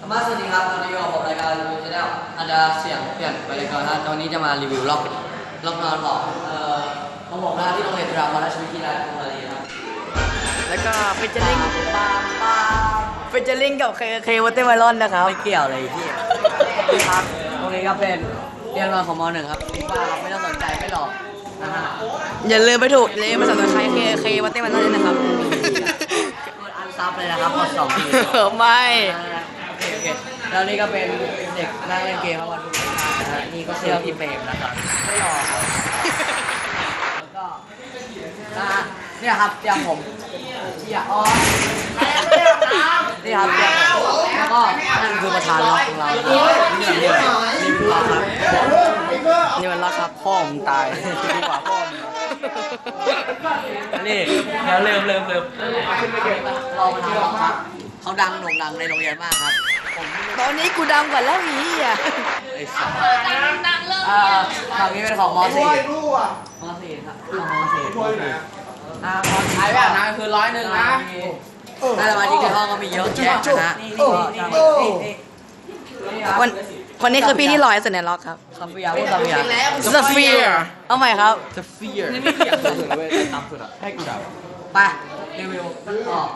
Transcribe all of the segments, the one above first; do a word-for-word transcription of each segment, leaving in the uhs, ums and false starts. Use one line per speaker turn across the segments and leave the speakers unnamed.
มาสวัสดีครับตอนนี้อยู่กับผมรายการรีวิวชาแนลอาจจะเสียงเปลี่ยนไปเลยก่อนนะตอนนี้จะมารีวิวล็อกล็อกนอนของเอ่อของผมนะที่โรงเรียนจุฬาภรณราชวิทยาลัยธนบุรีครับ
แล้วก็ฟิชเชอร์ลิง
ปามปาม
ฟิชเชอร์ลิงกับเคเควอเตอร์มลอนนะครับ
ไม่เกี่ยวเลยที่ครับตรงนี้ก็เป็นเรียนนอนของม .หนึ่ง ครับป้าไม่ต้องสนใจไม่หลอกนะฮะ
อย่าลืมไปถูกเลยมาสมัครใครเคเควอเตอร์มลอนด้วยนะครับ
อันซับเลยนะครับกดสองที
ไม่
โอเคโอเคแล้วนี่ก็เป็นเด็กนั่งเล่นเกมครับวันพุธนะฮะนี่ก็เชื่อพี่เปรมนะครับไม่หลอกครับแล้วก็นะฮะเนี่ยครับเตียงผมเที่ยอ๋อนี่ครับเตียงผมแล้วก็นั่นคือประธานล็อกของเราครับนี่เดียวรีวิวล็อกครับ
นี่มันรักครับพ่อมึงตายดีกว่าพ่อมึง
นี่เดี๋ยวเริ่มเริ่มเริ่มเราประธานล็อกครับเขาดังโด่งดังในโรงเรียนมากครับผม
ตอนนี้กูดำกว่าแล้วอีอ่ะ
ไอ้สัสอ่าฝั่งนี้เป็นของม .สี่ ม .สี่ ครับของม .สี่ ม .สี่ อ่ามใช้แบบนั้นคือร้อยหนึ่งนะถ้าสมาชิกในห้องก็มีเยอะแยะนะฮะนี่นี่นี่นี่นี่ครับ
วันวันนี้คือพี่ที่ลอยสุดในล็อกครับ
คาเฟียร์พูดคาเฟียร์
สเฟียร์เอาใหม่ครับ
นี่ไม่เกี่ยวกับเลยตามสุดอ่ะให้กูดับไปรีวิวต่อ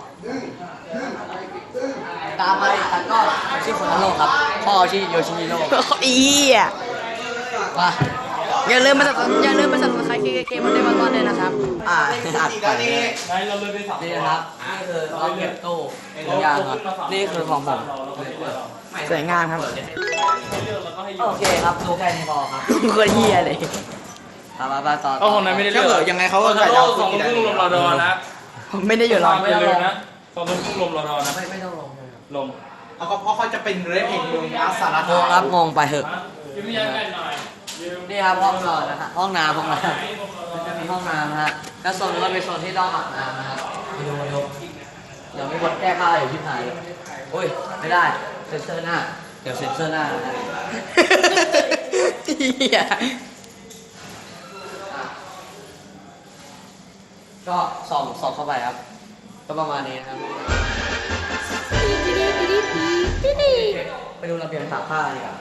ตามไปตัดก็ชื่อคนละโลกครับพ่อชื่อโยชิฮิโร่
อีอ่ะ
มา
อย่าลืมมาสับอย่าลืมมาสับใครเคเควอเตอร์มลอนด้วยนะครับ
อ่าอัดไปนี่นะครับนี่คือเราเก็บตู้ของยางครับนี่คือของผม
สวยงามครับ
โอเคครับดูแค่นี้พอครับ
โคนเฮียเลย
ตามมาบ้านต่อ
ก็คนนั้นไม่ได้เลื
ถ้า
อก
เกิดยังไงเขาก็
ตอน
ใส่
นั้น
ดาว
สอง
ขึ้น
ทุ่
ได้
มลมรอดอนะ
ผมไม่ได้อยู่ล็อก
ไม่ลืมนะสองทุ่มลมรอดอนะ
ไม่ไม่ต้องลงเลย
ลม
เอาก็เพราะเขาจะเป็นเรฟเองมึงอาสาระ
งงครับงงไปเหอะ
ยืมยันกันหน่อย
นี่ครับห้องนอนนะฮะห้องน้ำห้องน้ำมันจะมีห้องน้ำนะฮะแล้วโซนนี้ก็เป็นโซนที่ต้องอาบน้ำนะครับมาดูมาดูเดี๋ยวมีคนแก้ผ้าอยู่ที่ไหนโอ้ยไม่ได้เซ็นเซอร์หน้าเดี๋ยวเซ็นเซอร์หน้านะฮะ
เฮีย
ก็ส่องส่องเข้าไปครับ ก็ประมาณนี้นะครับไปดูระเบียงตากผ้าดีกว่า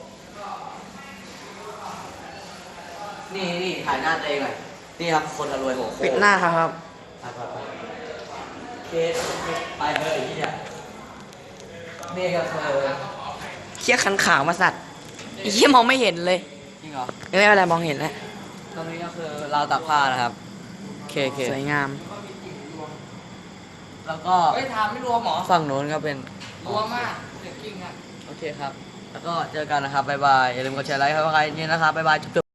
นี่นี่ถ่ายหน้าตัวเองหน่อยนี่ครับคนรวยหัวโค
ปิดหน้าครับ
ไปไปไปเคสไปเลยที่เนี่ยนี่ก็คือ
เคี้ยขันขาวมาสัตว์ไอ้เหี้ยมองไม่เห็นเลย
จริงเหรอ
ไม่เป็นไรมองเห็นแล้ว
ตรงนี้ก็คือราวตากผ้านะครับเคเค
สวยงาม
แล้วก็
เฮ้ยถามไม่รวมหมอ
ฝั่งโน้นก็เป็น
รวมมากเด็กกิ้งอ่ะ
โอเคครับ แล้วก็เจอกันนะครับ บ๊ายบาย อย่าลืมกดแชร์ไลค์ครับใครนี่นะครับ บ๊ายบายจุ๊บ